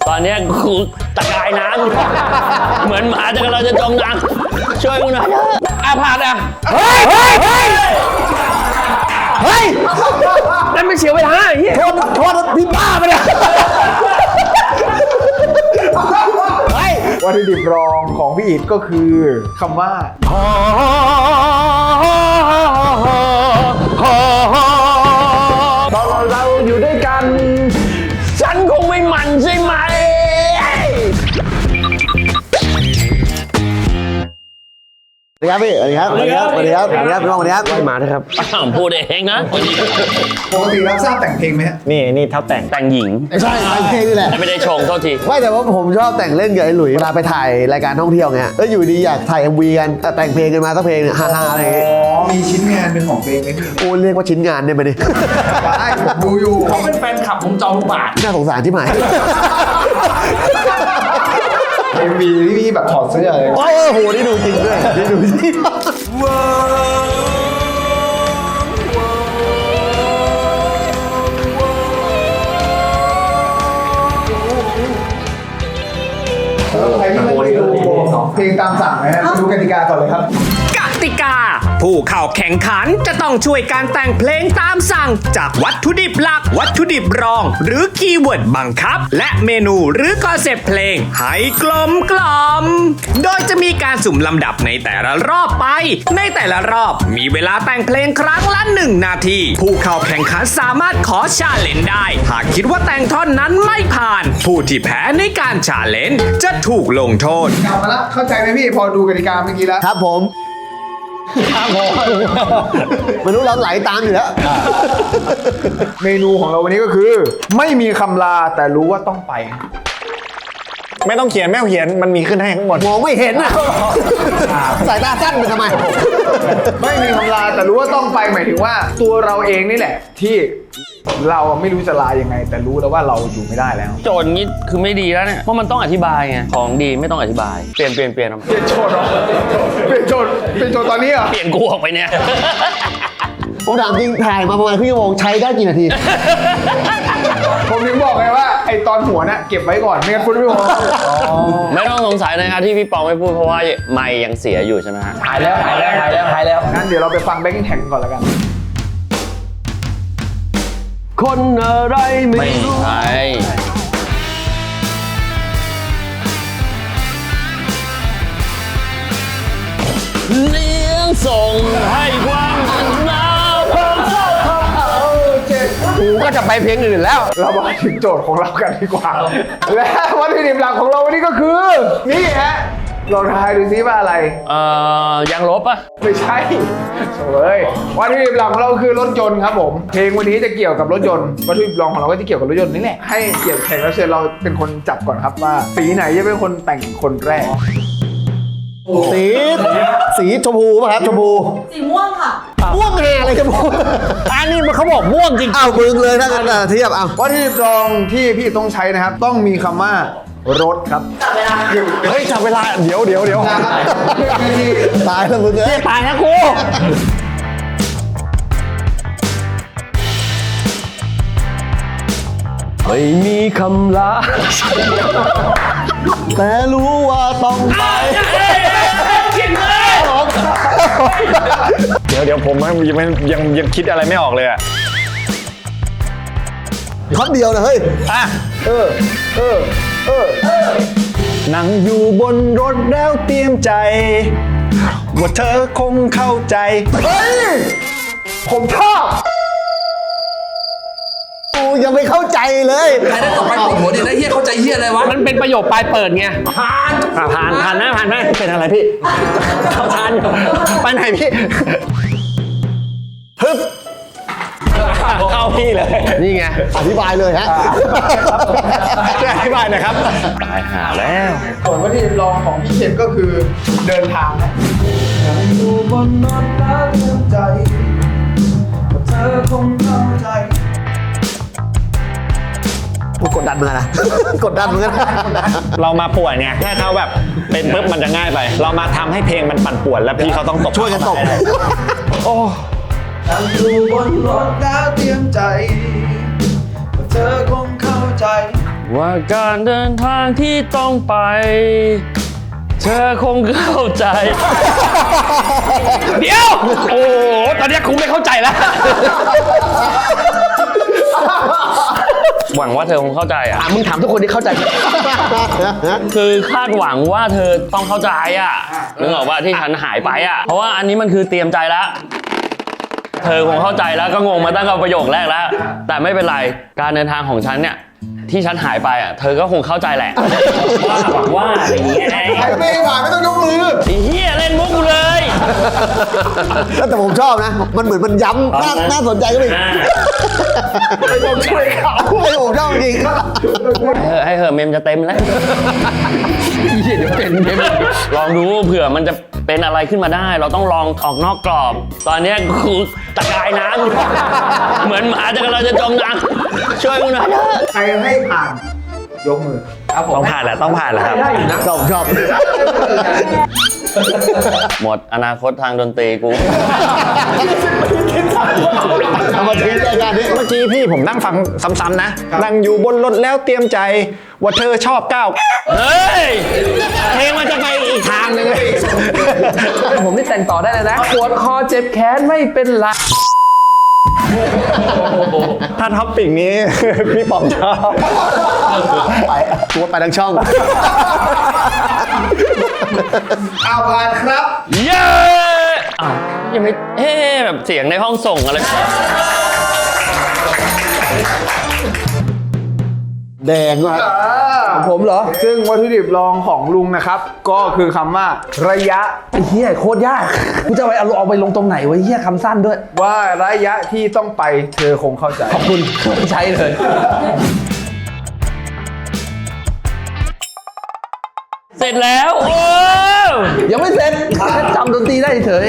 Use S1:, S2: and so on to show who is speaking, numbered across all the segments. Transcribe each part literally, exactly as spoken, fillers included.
S1: ตอนนี้กูตะกายน้ำเหมือนหมาจะกำลังจะจมน้ำช่วยกูหน่อยเถอะอาพาดอ่ะเฮ้ยเฮ้ยเฮ้ยเฮ้ยนั่นไม่เสียเวลาไอ้เหี้ย
S2: โทษโทษพี่บ้าไปเนี่ยวัตถุดิบรองของพี่อิฐก็คือคำว่าตอนเราอยู่ด้วยกัน
S1: ฉันคงไม่หมั่นใช่ไหม
S2: สวัสดีครับพี่สวัสดีครับสวัสดีครับสวัสดีครับสวัสดีครับพี่น้องสวัสดีครับ
S1: มาเถอะครับพูดเองนะ
S2: ปกติรับทราบแต่งเพลงไหมฮะ
S3: นี่นี่เท่าแต่ง
S1: แต่งหญิง
S2: ใช่แต่งเพลงนี่แหละ
S1: ไม่ได้ชงโทษที
S2: ไม่แต่ว่าผมชอบแต่งเล่นกับไอ้หลุยเวลาไปถ่ายรายการท่องเที่ยวเงี้ยแล้วอยู่ดีอยากถ่าย เอ็ม วี กันแต่แต่งเพลงกันมาสักเพลงเนี่ยฮ่าๆอะไรอย่างเงี้ย
S4: อ๋อ มีชิ้นงานเป็นของตัวเองไหมพี่
S2: โอ้เรียกว่าชิ้นงานได้ไหมเนี่ย
S4: ได้ผมดูอยู่
S3: เขาเป็นแฟนคลับผมจองทุกบาท
S2: น่าสงสารที่หมาย
S4: เอ็มวีที่พี่แบบถอดเสื้อเลย
S2: โอ้โหนี่ดูจริงด้วยนี่ดูจริง
S4: ใครที่ไม่ได้ดูเพลงตามสั่งนะฮะดูกติกาก่อนเลยครับ
S5: กติกา ผู้เข้าแข่งขันจะต้องช่วยการแต่งเพลงตามสั่งจากวัตถุดิบหลัก วัตถุดิบรอง หรือคีย์เวิร์ดบังคับ และเมนูหรือคอนเซปต์เพลงให้กลมกล่อม โดยจะมีการสุ่มลำดับในแต่ละรอบไป ในแต่ละรอบมีเวลาแต่งเพลงครั้งละหนึ่งนาที ผู้เข้าแข่งขันสามารถขอชาเลนจ์ได้ หากคิดว่าแต่งท่อนนั้นไม่ผ่าน ผู้ที่แพ้ในการชาเลนจ์จะถูกลงโทษ
S4: กลับมาแล้วเข้าใจไหมพี่พอดูกติกาเมื่อกี้แล้ว
S2: ครับผมครับผมมนุษย์เราไหลตามอยู่แล้ว
S4: เมนูของเราวันนี้ก็คือ ไม่มีคำลาแต่รู้ว่าต้องไป
S3: ไม่ต้องเขียนไม่ต้องเขียนมันมีขึ้นให้ข้างบน
S2: มองไม่เห็นอ่ะสายตาสั้นไปทำไม
S4: ไม่มีคำลาแต่รู้ว่าต้องไปหมายถึงว่า ตัวเราเองนี่แหละ ที่เราไม่รู้จะลายังไง แต่รู้แล้วว่าเราอยู่ไม่ได้แล้ว
S1: โจทย์นี้คือไม่ดีแล้วเนี่ยเพราะมันต้องอธิบายไงของดีไม่ต้องอธิบายเปลี่ยนเปลี่ยนเปลี่ยนเอา
S4: เปลี่ยนโจทย์เหรอเปลี่ยนโจทย์เปลี่ยนโจทย์ตอนนี้เหรอ
S1: เปลี่ยนกูออกไปเนี่ย
S2: ผมถามจริงถ่ายมาประมาณครึ่งชั่วโมงใช้ได้กี่นาที
S4: ผมถึงบอกไงว่าไอตอนหัวน่ะเก็บไว้ก่อนไม่งั้นคุณไม่พอ
S1: ไม่ต้องสงสัยนะครับที่พี่ปองไม่พูดเพราะว่าไมค์ยังเสียอยู่ใช่ไหมฮะ
S3: หายแล้วหายแล้วหายแล้วหายแล้ว
S4: งั้นเดี๋ยวเราไปฟังแบ็คกิ้งแท็กก่อนแล้วกัน
S2: คนอะไรไม่
S1: ไม่
S2: รู้
S1: ใช่เลี้ยงส่งให้ความหนาวของเจ้าของเขากูก็จะไปเพลงอื่นแล้ว
S4: เรามาถึงโจทย์ของเรากันดีกว่า และวัตถุดิบหลักของเราวันนี้ก็คือ นี่ฮะลองทายดูซิว่าอะไร
S1: เอ่อยังลบปะ
S4: ไม่ใช่เฮ้ยวัตถุดิบหลักของเราคือรถยนต์ครับผม เพลงวันนี้จะเกี่ยวกับรถยนต์ วัตถุดิบรองของเราก็จะเกี่ยวกับรถยนต์นี่แหละ ให้เกียรติแขกรับเชิญเราเป็นคนจับก่อนครับว่าสีไหนจะเป็นคนแต่งคนแรก
S2: สีสีชมพูป่ะครับชมพู
S6: สีม่วงค่ะ
S2: ม่วงแห่อะไรชมพู
S1: อันนี้มันเขาบอกม่วงจริง
S2: อ้าวมึงเลยถ้ากันอ่ะเทียบเอา
S4: วัตถุดิบรองที่พี่ต้องใช้นะครับ ต้องมีคำว่ารถครับ
S6: จับเวลา
S3: เฮ้ยจับเวลาเดี๋ยวเดี๋ยวเดี๋ยว
S2: ตายแล้วมึงเอ้ย
S1: ตายนะกู
S2: ไม่มีคำลาแต่รู้ว่าต้องไป
S3: เดี๋ยวเดี๋ยวผมยังยังยังยังคิดอะไรไม่ออกเลยอะ
S2: คำเดียวนะเฮ้ย
S3: อ่ะ
S2: เออเออเออ
S3: นั่งอยู่บนรถแล้วเตรียมใจ ว่าเธอคงเข้าใจ
S4: เฮ้ย ผมชอบ
S2: กูยังไม่เข้าใจเลย
S7: ใครได้ต่อไปปวดหัวดิแล้วเฮียเข้าใจเฮียอะไรวะ
S1: มันเป็นประโยคปลายเปิดไง
S7: ผ่าน
S1: อ่ะผ่านผ่านนะผ่านไหม
S2: เป็นอะไรพี่
S1: เข้าทานไปไหนพี่
S3: ฮึบเข้าพี่เลย
S1: นี่ไง
S2: อธิบายเลยฮะ
S3: ช่วยอธิบายหน่อยครับ
S1: ตายหาแล้ว
S4: ส่วนวัตถุดิบรองของพี่เคนก็คือเดินทางนะอยู่บนรถแล้วเตือนใจว่าเธอคงเข้าใจ
S2: กูกดดันมึงนะ กดดันมึงนะ
S3: เรามาป่วนไงถ้าเขาแบบเป็นปุ๊บมันจะง่ายไป เรามาทำให้เพลงมันปั่นป่วนแล้วพี่เขาต้องตบ
S2: ช่วยกันตบ
S3: โอ้
S4: นั่งอยู่บนรถแล้วเตรียมใจว่าเธอคงเข้าใจ
S1: ว่าการเดินทางที่ต้องไป เธอคงเข้าใจ เดี๋ยว โอ้โหตอนนี้คงไม่เข้าใจแล้ว หวังว่าเธอคงเข้าใจอ่ะ
S2: มึงถามทุกคนที่เข้าใจ
S1: คือคาดหวังว่าเธอต้องเข้าใจอ่ะนึกออกว่าที่ฉันหายไปอ่ะ เพราะว่าอันนี้มันคือเตรียมใจแล้ว เธอคงเข้าใจแล้วก็งงมาตั้งแต่ประโยคแรกแล้ว แต่ไม่เป็นไร การเดินทางของฉันเนี่ยที่ฉันหายไปอ่ะ เธอก็คงเข้าใจแหละ ว่าหวังว่าอะไรอย่างเงี้ย
S4: ใครไม่ผ่านไม่ต้องยกมือ
S1: ไอ้เหี้ยเล่นมุกกูเลย
S2: แต่ผมชอบนะ มันเหมือนมันย้ำน่าน่าสนใจก็ไปไม่ต้องช่วยเขาไม่ผมชอบจริง
S1: เออให้เหอะเมมจะเต็มแล้วเดี๋ยวเป็นเมมลองดูเผื่อมันจะเป็นอะไรขึ้นมาได้ เราต้องลองออกนอกกรอบ ตอนนี้กูตะกายน้ำเหมือนหมาจะกำลังจะจมน้ำช่วยกูหน่อยเถอะ
S4: ใครให้ผ่านยกมือ
S3: ต้องผ่านแหละต้องผ่านแหละครับ
S2: ชอบชอบ
S1: หมดอนาคตทางดนตรีกู
S2: เอามาทิ้งรายการนี้
S3: เมื่อกี้พี่ผมนั่งฟังซ้ำๆนะ นั่งอยู่บนรถแล้วเตรียมใจ ว่าเธอชอบก้าว
S1: เฮ้ยเพลงมันจะไปอีกทางหนึงเลย
S7: ผมนี่แต่งต่อได้เลยนะปวดคอเจ็บแขนไม่เป็นไร
S3: ถ้าท็อปปิกนี้ พี่ป๋อมชอบ
S2: ไปตัวไปทั้งช่อง
S4: เอาผ่านครับ
S1: เย้อ้าวยังไม่เอ๊ะแบบเสียงในห้องส่งอะไร
S2: แดงว่ะ
S7: ผมเหรอ
S4: ซึ่งวัตถุดิบรองของลุงนะครับ ก็คือคำว่าระยะ
S7: ไอ้เหี้ยโคตรยากกูจะไปเอาเอาไปลงตรงไหนวะเหี้ยคำสั้นด้วย
S4: ว่าระยะที่ต้องไปเธอคงเข้าใจ
S7: ขอบคุณใช้เลย
S1: เสร็จแล้วโอ้
S7: ยังไม่เสร็จแค่จำดนตรีได้เฉย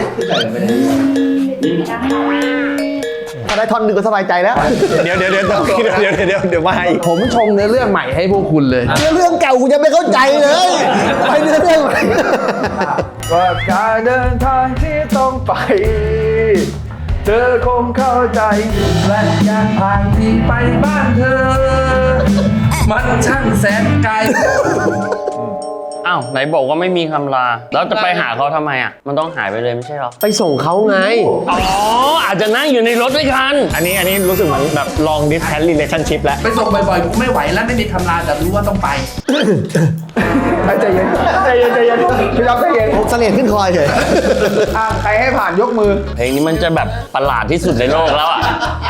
S2: ถ้าได้ท่อนหนึ่งก็สบายใจแล้ว
S3: เดี๋ยวเดี๋ยวเดี๋ยวเดี๋ยวเดี๋ยวเดี๋ยวเดี๋ยวมาอีก
S7: ผมชงเนื้อเรื่องใหม่ให้พวกคุณเลย
S2: เนื้อเรื่องเก่ากูยังไม่เข้าใจเลย ไปเนื้อเรื่องใหม่
S4: ว่าการเดินทางที่ต้องไป เธอคงเข้าใจ
S7: และการผ่านที่ไปบ้านเธอ มันช่างแสนไกล
S1: อ้าวไหนบอกว่าไม่มีคำลา แล้วจะไปหาเขาทำไมอ่ะ มันต้องหายไปเลยไม่ใช่หรอ
S2: ไปส่งเขาไง
S1: อ๋อ อาจจะนั่งอยู่ในรถด้วยกัน
S3: อันนี้อันนี้รู้สึกเหมือนแบบ long distance relationship แล้ว
S7: ไปส่งบ่อยๆกูไม่ไหวแล้วไม่มีคำลาแต่รู้ว่าต้องไป
S4: ใจเย็นใจเย็นใจเย็นพี่รับใจเย็น
S2: ผมเสน่ห์ขึ้นคอยเฉย
S4: อ่ะใครให้ผ่านยกมือ
S1: เพลงนี้มันจะแบบประหลาดที่สุดในโลกแล้วอ่ะ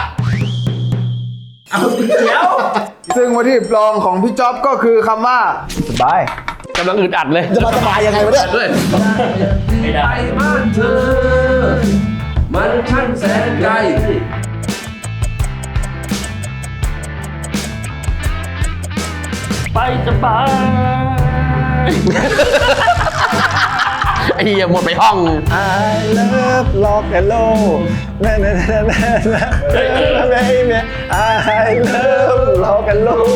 S4: ซึ่งวัตถุดิบรองของพี่จ๊อบก็คือคำว่าสบาย
S1: กำลังอึดอัดเลย
S2: จะมาสบายยังไงวะเนี่ย
S7: ด้วย
S1: ไม่ได้
S7: ไปบ้านเธอ มันช่างแสนไกล
S1: ไปจะไป ไอ้เหี้ยหมดไปห้อง
S3: I love rock and roll นะนะนะนะนะ baby I love rock and roll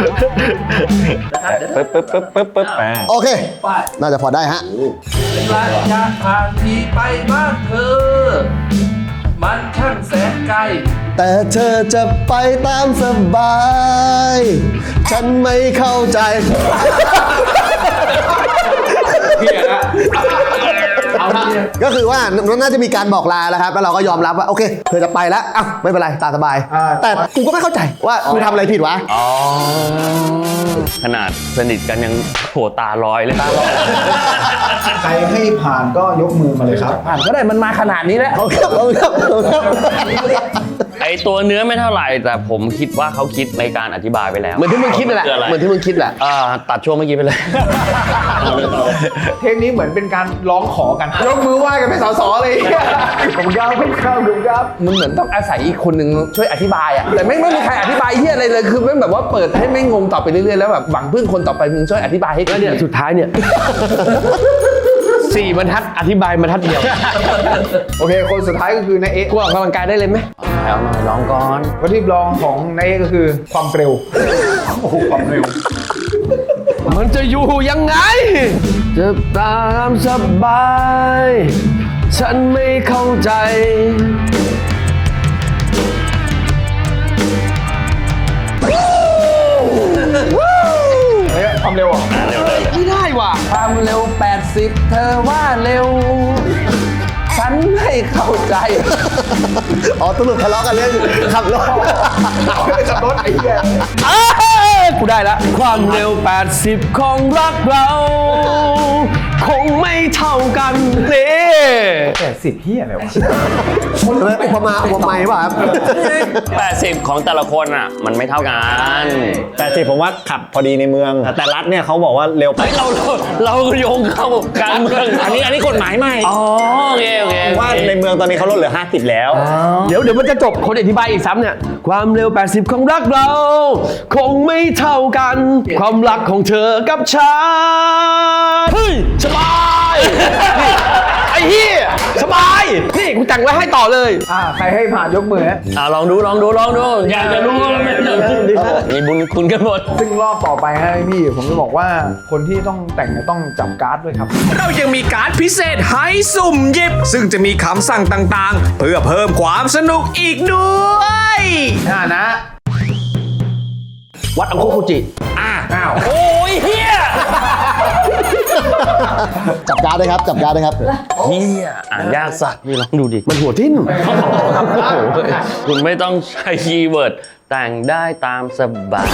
S3: ปึ๊บปึ๊บปึ๊บปึ๊บปึ๊บอ่า
S2: โอเค น่าจะพอได้ฮะ
S7: ระยะทางที่ไปบ้านเธอ มันช่างแสนไกล
S2: แต่เธอจะไปตามสบาย ฉันไม่เข้าใจ ก็คือว่าน่าจะมีการบอกลาแล้วครับ แล้วเราก็ยอมรับว่าโอเค เธอจะไปแล้วอ้าวไม่เป็นไรตามสบาย
S4: อ่า
S2: แต่กูก็ไม่เข้าใจว่ากูทำอะไรผิดวะ
S1: อ๋อ ขนาดสนิทกันยังโหตาลอยเลยตาลอย
S4: ใครให้ผ่านก็ยกมือมาเลยครับ
S7: ผ่านก็ได้มันมาขนาดนี้แล้ว
S2: เอาครับเอาครับเอาครับ
S1: ไอตัวเนื้อไม่เท่าไหร่ แต่ผมคิดว่าเขาคิดในการอธิบายไปแล้ว
S2: เหมือนที่มึงคิดนั่นแหละ
S1: คืออะไร
S2: เหมือนที่มึงคิดแหละ
S1: อ่าตัดช่วงเมื่อกี้ไปเลย
S4: เทปนี้เหมือนเป็นการร้องขอกัน ยกมือไหว้กันเป็นสอๆเลยผมครับผมครับผมครับ
S7: มันเหมือนต้องอาศัยอีกคนหนึ่งช่วยอธิบายอ่ะ แต่ไม่ไม่มีใครอธิบายเฮียอะไรเลย คือไม่แบบว่าเปิดให้ไม่งงต่อไปเรื่อยๆ แล้วแบบหวังพึ่งคนต่อไปมึงช่วยอธิบายให้กู
S1: แล้วเนี่ยสุดท้ายเนี่ย สี่บรรทัดอธิบายบรรทัดเดียว
S4: โอเค คนสุดท้ายก็คือนายเอ๊ะ
S7: กูออกกำลังกายได้เลยไหม
S1: เอาหน่อยลองก่อน
S4: วัตถุดิบรองของนายเอ๊ะก็คือความเร็ว โอ้โหความเร็ว
S1: มันจะอยู่ยังไง จะตามสบาย ฉันไม่เข้าใจ
S7: เ
S4: เฮ้ยความเร็วอ่ะ
S7: ไม่ได้ว่ะความเร็ว แปดสิบ เธอว่าเร็ว ฉันไม่เข้าใจ
S2: อ๋อตำรวจทะเลาะกันเรื่องขับรถ
S4: ขับรถไอ้เหี้ย
S1: กูได้ละความเร็ว แปดสิบ ของรักเรา คงไม่เท่ากันนี่
S4: แปดสิบเหี้ยอะไรวะ
S2: ทำไมอุปมาอุปไมยป่ะครับ
S1: แปดสิบ ของแต่ละคนอ่ะ มันไม่เท่ากัน
S3: แต่สิผมว่าขับพอดีในเมือง แต่รัฐเนี่ยเขาบอกว่าเร็วไป
S1: เราเราเราโยงเข้าการเมือง
S3: อันนี้อันนี้กฎหมายใหม่
S1: อ๋อโอเคโอเค
S3: ว่าในเมืองตอนนี้เขาลดเหลือห้าสิบแล้ว
S1: เดี๋ยวเดี๋ยวมันจะจบคนอธิบายอีกซ้ำเนี่ยความเร็ว แปดสิบ ของรักเรา คงไม่เท่ากัน ความรักของเธอกับฉันเฮ้ยสบายนี่ไอ้เหี้ยสบายนี่กูแต่งไว้ให้ต่อเลย
S4: อ่าใครให้ผ่านยกมือฮะ
S1: อ่าลองดูลองดูลองดูอยากจะรู้ว่ามันมีบุญคุณกันหมด
S4: ซึ่งรอบต่อไปให้พี่ผมจะบอกว่าคนที่ต้องแต่งเนี่ยต้องจับการ์ดด้วยครับ
S5: เรายังมีการ์ดพิเศษให้สุ่มหยิบ ซึ่งจะมีคำสั่งต่างๆ เพื่อเพิ่มความสนุกอีกด้วย
S4: อ่านะ
S1: วัดอังคุคุจิ
S4: อ่าอ้าว
S1: โอ้ยเฮีย
S2: จับการ์ดด้วยครับ จับการ์ดด้วยครับ
S1: เฮียอ่านยากสัตว์นี่ลองดูดิ มันหัวทิ่มคุณไม่ต้องใช้คีย์เวิร์ดแต่งได้ตามสบาย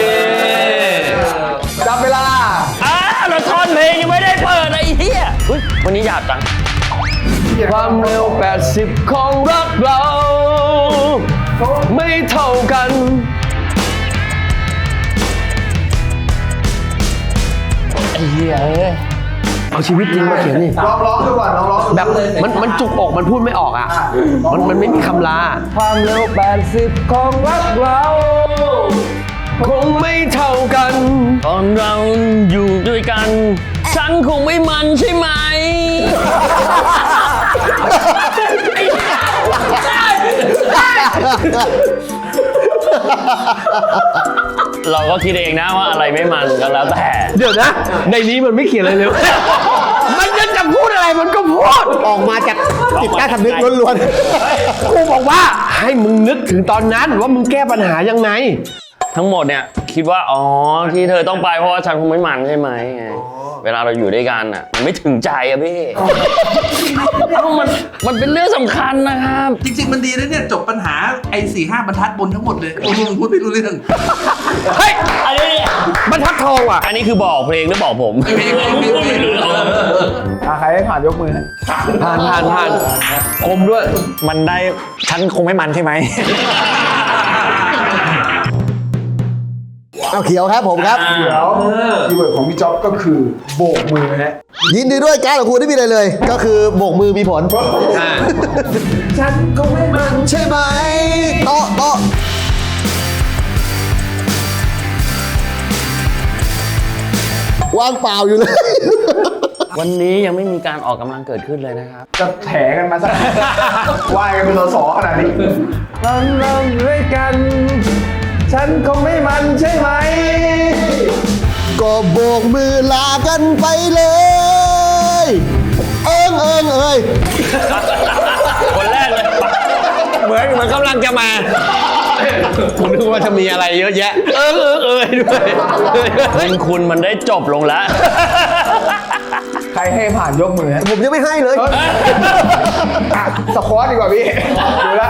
S4: จับเวลา
S1: อ้าวเราท่อนเพลงยังไม่ได้เปิดไอ้เฮียอุ๊ยวันนี้หยาบจัง ความเร็ว แปดสิบ ของรักเรา ไม่เท่ากันไอ้เหี้ยเอ้ยเอาชีวิตจริงมาเขียนนี่
S4: ลองร้องดูก่อนลองร้องดู
S1: แบบมันมันจุกอกมันพูดไม่ออกอ่ะ มันมันไม่มีคำลา ความเร็ว แปดสิบ ของรักเรา คงไม่เท่ากัน ตอนเราอยู่ด้วยกัน ฉันคงไม่มันใช่ไหม เราก็คิดเองนะว่าอะไรไม่มันก็แล้วแต่ เดี๋ยวนะ ในนี้มันไม่เขียนอะไรเลย มันจะจะพูดอะไรมันก็พูด
S2: ออกมาจากจิตใต้สำนึกล้วน
S1: กูบอกว่าให้มึงนึกถึงตอนนั้นว่ามึงแก้ปัญหายังไง ทั้งหมดเนี่ยคิดว่าอ๋อที่เธอต้องไปเพราะว่าฉันคงไม่มันใช่ไหมไงเวลาเราอยู่ด้วยกันอ่ะมันไม่ถึงใจอะพี่มันมันเป็นเรื่องสำคัญนะครับ
S6: จริงๆ มันดีนะเนี่ย จบปัญหาไอ้สี่ห้าบรรทัดบนทั้งหมดเลยโอ้โหพูดไม่รู้เรื่อง
S1: เฮ้ยอันนี้บรรทัดทองอ่ะอันนี้คือบอกเพลงหรือบอกผม
S6: เพลงเพลงเพลงเพลง
S4: อ่าใครให้ผ่านยกมือฮะ
S1: ผ่านผ่านผ่านคมด้วย
S3: มันได้ฉันคงไม่มันใช่ไหม
S2: ๆเอาเขียวครับผมครับ
S4: เดี๋ยวคีย์เวิร์ดของพี่จ๊อบก็คือโบกมือฮะ
S2: ยินดีด้วยการ์ดของคุณที่มีอะไรเลย ก็คือโบกมือมีผล
S4: ฉันคงไม่มัน
S2: ใช่ไหมโต๊ะโต๊ะว่างเปล่าอยู่เลย
S1: วันนี้ยังไม่มีการออกกำลังเกิดขึ้นเลยนะครับ
S4: จะแถกันมาสัก ว่ายกันเป็นสสขนาดนี้เราเราด้วยกัน ฉันคงไม่มันใช่ไหม
S2: ก็โบกมือลากันไปเลย เอิงเอิงเอ้ย
S1: คนแรกเลย
S3: เหมือนเหมือนกำลังจะมา
S1: ผมนึกว่าจะมีอะไรเยอะแยะ เออเออเออด้วยคุณคุณมันได้จบลงแล้ว
S4: ใครให้ผ่านยกมือฮะ
S2: ผมยังไม่ให้เลย
S4: อ่ะสควอตดีกว่าพี่ดูละ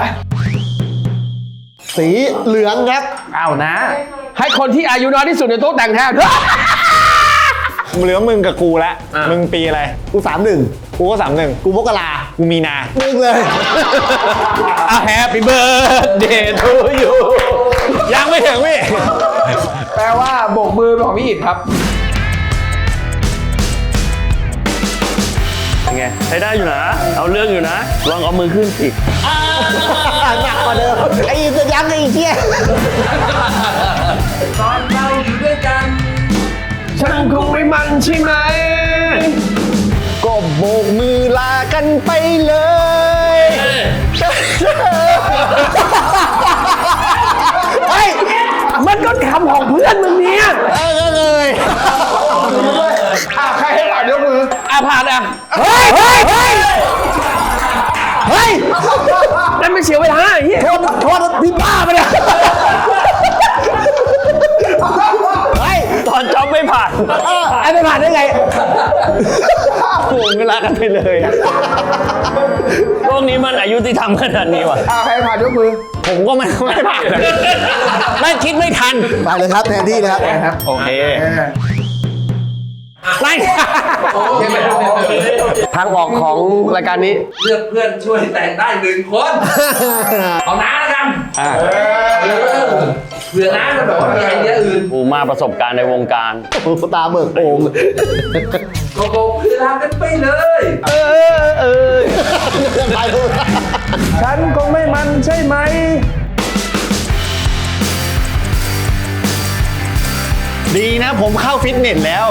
S2: สีเหลืองครับ
S1: เอานะ ให้คนที่อายุน้อยที่สุดในโต๊ะแต่งแทน
S3: เหลือมึงกับกูละมึงปีอะไร
S2: กูสามหนึ่ง
S3: กูก็สามหนึ่ง
S2: กูมกรา
S3: กูมีนา
S2: มึงเลย
S1: อ่ะ Happy birthday to you
S3: ยังไม่ถึงพี่
S4: แปลว่าโบกมือเป็นของพี่อิฐครับ
S1: เป็นไงใช้ได้อยู่นะ เอาเรื่องอยู่นะ ลองเอามือขึ้นสิ
S2: หนักกว่าเดิมไอ้จะยังไอ้เชี่ย
S6: ตอนเราอยู่ด้วยกัน
S1: ฉันคงไม่มันใช่ไหม
S2: ก็โบกมือลากันไปเลย เฮ้ย
S1: มันก็คำของเพื่อนมึงเนี่ย
S2: เออเลย
S4: อ่ะใครให้ผ่านยกมือ
S1: อ่ะผ่านอ่ะ
S2: เฮ้ย เฮ้ย เฮ้ย เฮ้ย
S1: นั่นไม่เสียเวลาไอ้เหี้ย
S2: โทษโทษพี่บ้าไปเลย
S1: ผ่าน
S2: ไอ้ไม่ผ่านได้ไง
S1: โอ้ไม่รักกันไปเลยอะโลกนี้มันอายุที่ทำขนาดนี้วะ
S4: อ่าใครผ่านยกมือ
S1: ผมก็ไม่ไม่ผ่านนะไม่คิดไม่ทัน
S2: ไปเลยครับแทนที่เลยครับ
S1: โอเค
S4: เออ
S1: ไม่ทางออกของรายการนี้
S6: เลือกเพื่อนช่วยแต่งได้หนึ่งคน เอาน้าแล้วกัน
S1: อ่า
S6: เออเผื่อน้าจะแบบว่ามีไอเดียอื่น
S1: กูมาประสบการณ์ในวงการ
S2: ตาเบิกโอ่ง
S6: โกโก้คือทำกันไปเลย
S1: เออเออ
S2: ไปดู
S3: ฉันคงไม่มันใช่ไหม
S1: ดีนะผมเข้าฟิตเนสแล้ว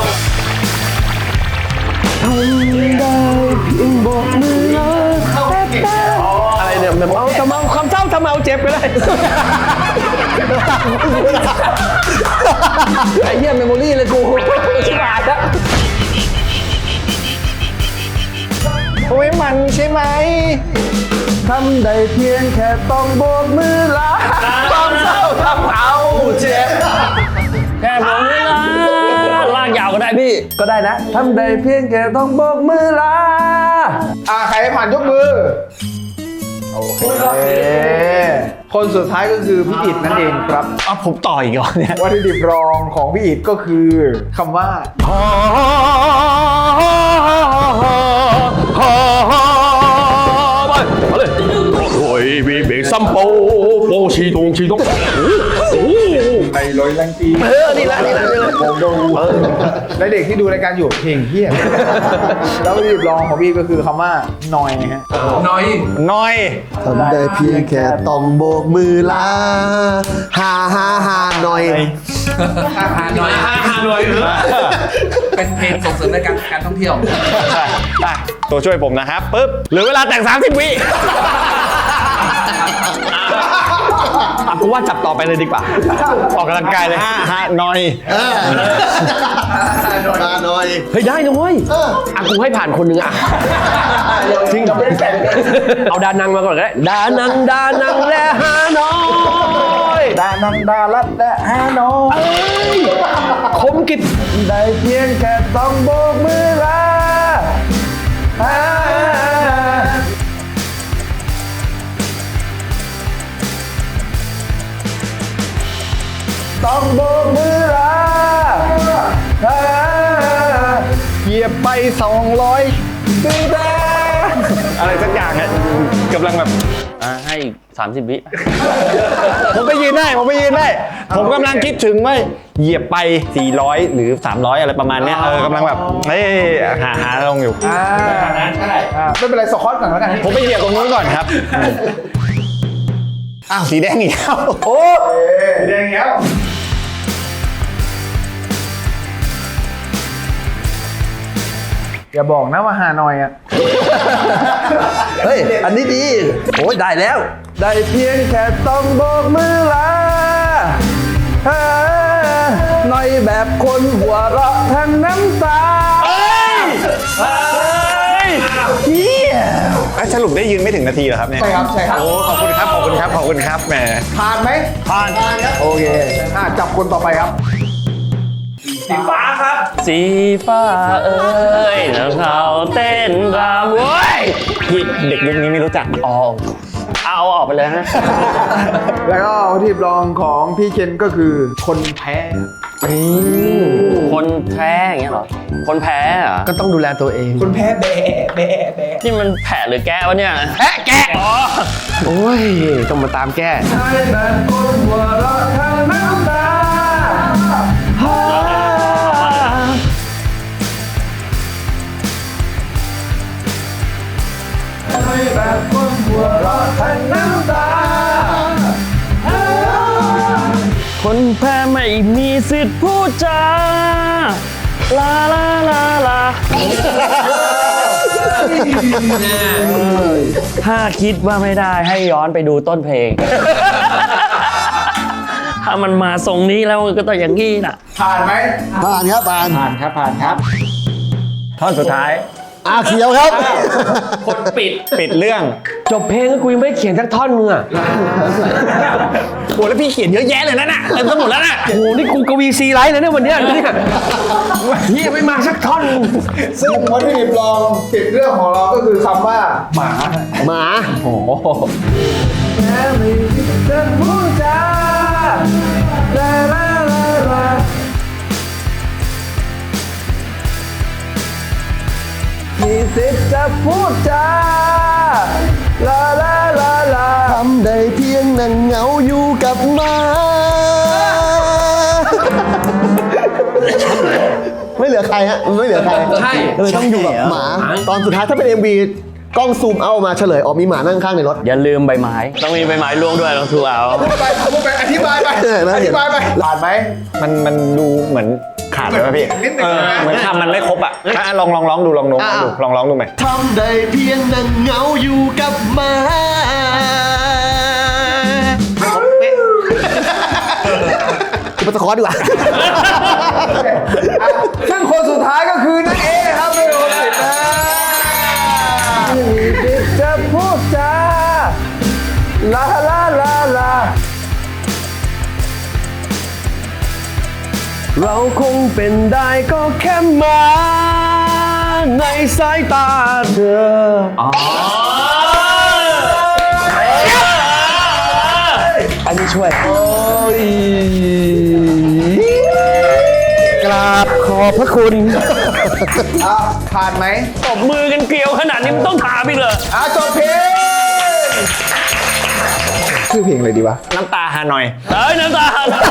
S1: อะไรเนี่ยแบบเอาทำเอาความเศร้าทำเอาเจ็บก็ได้
S7: ไอ้เหี้ยเมมโมรี่เลยกูชิบหายแล้ว
S3: โอ้ยมันใช่ไหม ทำได้เพียงแค่ต้องโบกมือลาความเศร้าทำเอาเจ็บ
S1: แค่ผมนี่ละลากยาวก็ได้พี่
S7: ก็ได้นะทำได้เพียงแค่ต้องโบกมือลา
S4: อ่าใครผ่านยกมือ โอเค คนสุดท้ายก็คือพี่อิฐนั่นเองครับ
S1: เอาผมต่ออีกเหรอเนี่ย
S4: วัตถุดิบรองของพี่อิฐก็คือคำว่า
S1: โอ้ยมีเบรกซัมโปโปชีตงชีตง
S4: ในร้อยแรงตี
S1: เออนี่ละนี่ละนี่ละ
S4: ผมดูและเด็กที่ดูรายการอยู่เพลงเฮียแล้ววัตถุดิบรองของพี่ก็คือคำว่านอยฮะ
S6: หน่อย
S1: น้อย
S2: ทำได้เพียงแค่ต้องโบกมือลาฮาฮาฮาหน่อย
S6: หาหน่อยหาหน่อยเป็นเพลงส่งเสริมในการการท่องเที่ยว
S1: ได้ตัวช่วยผมนะครับปึ๊บเหลือเวลาแต่ง สามสิบ วิอ่ะกูว่าจับต่อไปเลยดีกว่า ออกกำลังกายเลยห้าห้าน้อย
S2: ฮาหน่อย
S1: เฮ้ยได้นะเว้ยอ่ะกูให้ผ่านคนหนึ่งอ่ะจริงเอาดานังมาก่อนก็ได้ดานังดานังและฮาน้อย
S3: ดานังดาลัดและฮานอย
S1: คมกิจ
S3: ได้เพียงแค่ต้องโบกมือลาฮาต้องโบกมือลาฮาเหยียบไปสองร้อยปีแดง
S1: อะไรสักอย่างอ่ะกำลังแบบอ่ะให้สามสิบ วิผมไปยืนได้ ผมไปยืนได้ ผมกำลังคิดถึงว่าเหยียบไปสี่ร้อยหรือสามร้อยอะไรประมาณเนี้ยเออกำลังแบบเฮ้ยหาหาลงอยู่
S4: อ่าอ่าไม่เป็นไรสคอตก่อนแล้วกัน
S1: ผมไปเหยียบตรงนู้นก่อนครับ อ้าว สีแดงอีกแล้ว
S4: โอ้แดงแล้วอย่าบอกนะว่าฮานอยอ่ะ
S7: เฮ้ย อันนี้ดี โอ้ยได้แล้ว
S3: ได้เพียงแค่ต้องโบกมือลาฮาหน่อยแบบคนหัวเราะทั้งน้ำตา
S1: สรุปได้ยืนไม่ถึงนาทีเหรอครับเนี่ย
S4: ใช่ครับ ใช่ครับ
S1: โอ้ ขอบคุณครับ ขอบคุณครับ ขอบคุณครับแหม
S4: ผ่านไหม
S1: ผ่าน
S4: โอเคอ่าจับคนต่อไปครับ
S6: สีฟ้าครับ
S1: สีฟ้าเอ้ยแล้วเขาเต้นรำเว้ยพี่เด็กยุคนี้ไม่รู้จัก อ๋อ เอาออกไปเลยฮะ
S4: แล้วก็วัตถุดิบรองของพี่เคนก็คือคนแพ้
S1: คนแพ้อย่างเงี้ยเหรอ คนแพ้เหรอ
S7: ก็ต้องดูแลตัวเอง
S4: คนแพ้แบะแบะแบะ
S1: นี่มันแผลหรือแก้วะเนี่ย แพะแกะอ๋อ
S7: โอ้ย ต้องมาตามแก้
S3: ได้แบบคนหัวเราะทั้งน้ำตาฮาได้แบบคนหัวเราะทั้งน้ำตาฮา
S1: คนแพ้ไม่มีสิทธิ์พูดจา ลาลาลาลา ถ้าคิดว่าไม่ได้ให้ย้อนไปดูต้นเพลง ถ้ามันมาทรงนี้แล้วก็ต้องอย่างนี้น่ะ
S4: ผ่านไหม
S2: ผ่านครับผ่าน
S3: ผ่านครับผ่านครับ
S1: ท่อนสุดท้าย
S2: อ่ะเขียวครับ
S1: คนปิด
S3: ปิดเรื่อง
S1: จบเพลงก็กูยังไม่ได้เขียนสักท่อนมึงอ่ะ
S3: โหแล้วพี่เขียนเยอะแยะเลยนะน่ะเต็มไปหมดแล้วน่ะ
S1: โอ้โหนี่กูกวีซีไลท์เลยเนี่ยวันเนี้ยเนี่ยเฮียไม่มาสักท่อน
S4: ซึ่งวัตถุดิบรองติดเรื่องของเราก็คือคำว่าหมา
S2: หมา
S4: แค่ไม่คิดจะพูดจาลาลาลาลามีสิทธิ์จะพูดจาลาลาลาลา
S2: ทำได้เพียงนั่งเหงาอยู่กับหมา ไม่เหลือใครฮะไม่เหลือใคร
S1: ใช่
S2: เลยต้องอยู่กับหมา ตอนสุดท้ายถ้าเป็น เอ็ม วี กล้องซูมเอามาเฉลยออกมีหมานั่งข้างในรถ
S1: อย่าลืมใบไม้ ต้องมีใบไม้ร่วงด้วยลองทูเอา
S4: พูดไปพูดไปอธิบายไป
S2: เออนะ
S4: อธิบายไปผ่านไหม
S3: มันมันดูเหมือนขาดเลยป่ะพี่
S4: นิดหนึ่ง
S3: เออ
S4: นะ
S3: เหมือนคำมันไม่ครบอ่ะอ่ะลองลองร้องดูลองร้องดูลองร้องดูไหม
S2: ทำได้เพียงนั่งเหงาอยู่กับหมากูไปสะคอดีกว่า
S4: ซึ่งคนสุดท้ายก็คือนักเอครับไม่โดนติดนะมีสิทธิ์จะพูดจาลาลาลาลา
S1: เราคงเป็นได้ก็แค่หมาในสายตาเธออันนี้ช่วยกราบขอบพระคุณ
S4: อ่ะผ่านไหม
S1: ตบมือกันเกลียวขนาดนี้มันต้องถามอีกเลย
S4: อ่ะจบเพลงชื่อเพลงอะไรดีวะ
S3: น้ำตาฮานอย
S1: เอ้ยน้ำตา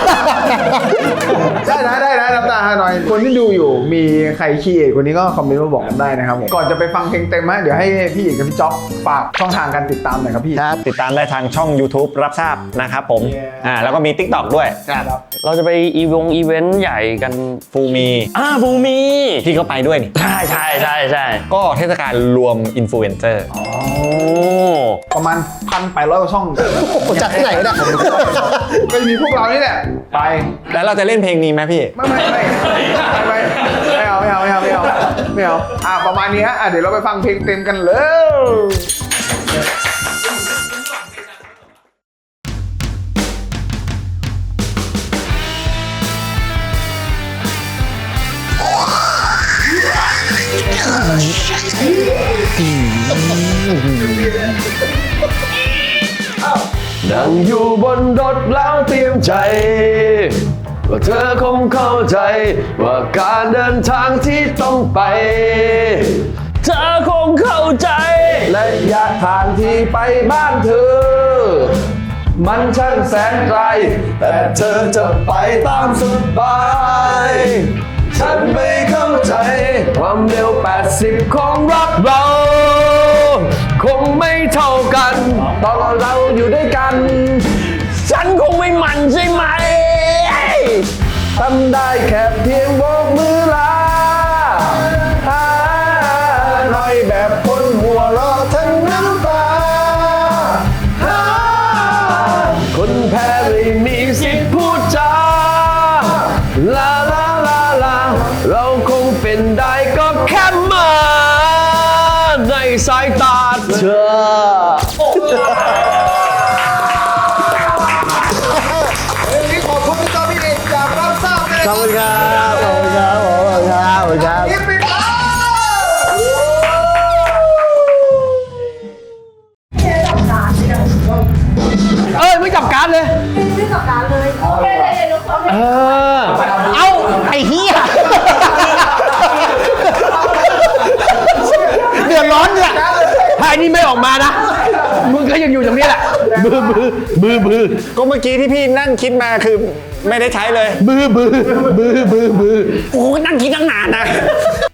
S4: ได้นะได้นะน้ำตาฮานอยคนที่ดูอยู่มีใครคีย์เอทคนนี้ก็คอมเมนต์มาบอกกันได้นะครับผมก่อนจะไปฟังเพลงเต็มฮะเดี๋ยวให้พี่เอกกับพี่จ๊อบฝากช่องทางการติดตามหน่อยครับพี่
S3: ติดตามได้ทางช่อง YouTube รับทราบนะครับผม
S4: Yeah.
S3: อ่าแล้วก็มี TikTok ด้วย
S1: เราจะไปอีวงอีเวนต์ใหญ่กัน
S3: ฟูมี
S1: อ่าบูมี
S3: ที่เขาไปด้วยนี่
S1: ใช่ใช่ใช่ใช่
S3: ก็เทศกาลรวมอินฟลูเอนเซอร์
S1: โอ้
S4: ประมาณพันแปดร้อยกว่าช่อง
S2: จากที่ไหนเนี่ย
S4: ก็จะมีพวกเรานี่แหละไป
S3: แล้วเราจะเล่นเพลงนี้ไหมพี่
S4: ไม่ไม่ไม่ไม่ไม่ไม่เอาไม่เอาไม่เอาไม่เอาไม่เอาอ่ะประมาณนี้ฮะอ่ะเดี๋ยวเราไปฟังเพลงเต็มกันเลย
S1: นั่งอยู่บนรถแล้วเตรียมใจว่าเธอคงเข้าใจว่าการเดินทางที่ต้องไป เธอคงเข้าใจระยะทางที่ไปบ้านเธอ มันช่างแสนไกล แต่เธอจะไปตามสบาย ฉันไม่เข้าใจความเร็วแปดสิบของรถเรา คงไม่เท่ากันตอนเราอยู่ด้วยกัน ฉันคงไม่มันใช่ไหมทำได้แค่เพียงโบกมือลาหาหน่อยแบบคนหัวเราะทั้งน้ำตาหาคนแพ้ไม่มีสิทธิ์พูดจาลาลาลาลาเราคงเป็นได้ก็แค่หมาในสายตาเธอ
S4: วันนี้ขอบคุณพี่จ๊อบพี่เอกจากรับทราบเลย
S2: ขอบคุณครับขอบคุณครับขอบคุณครับขอบคุณครับ
S4: คลิปปิดแล้ว
S1: เอ้ยไม่จับการดเลย
S8: ไม่จับการเลยโอเคเลยเดี๋ยวเรา
S1: เออ
S2: เอ้า ไอ้เหี้ยเดือดร้อนเนี่ย
S1: ถ้าอันนี้ไม่ออกมานะ มึงก็ยังอยู่อย่างนี้แหละ บือบือบือบือ
S3: ก็เมื่อกี้ที่พี่นั่งคิดมาคือไม่ได้ใช้เลย
S1: บือบือบือบือบือโอ้นั่งคิดตั้งนานนะ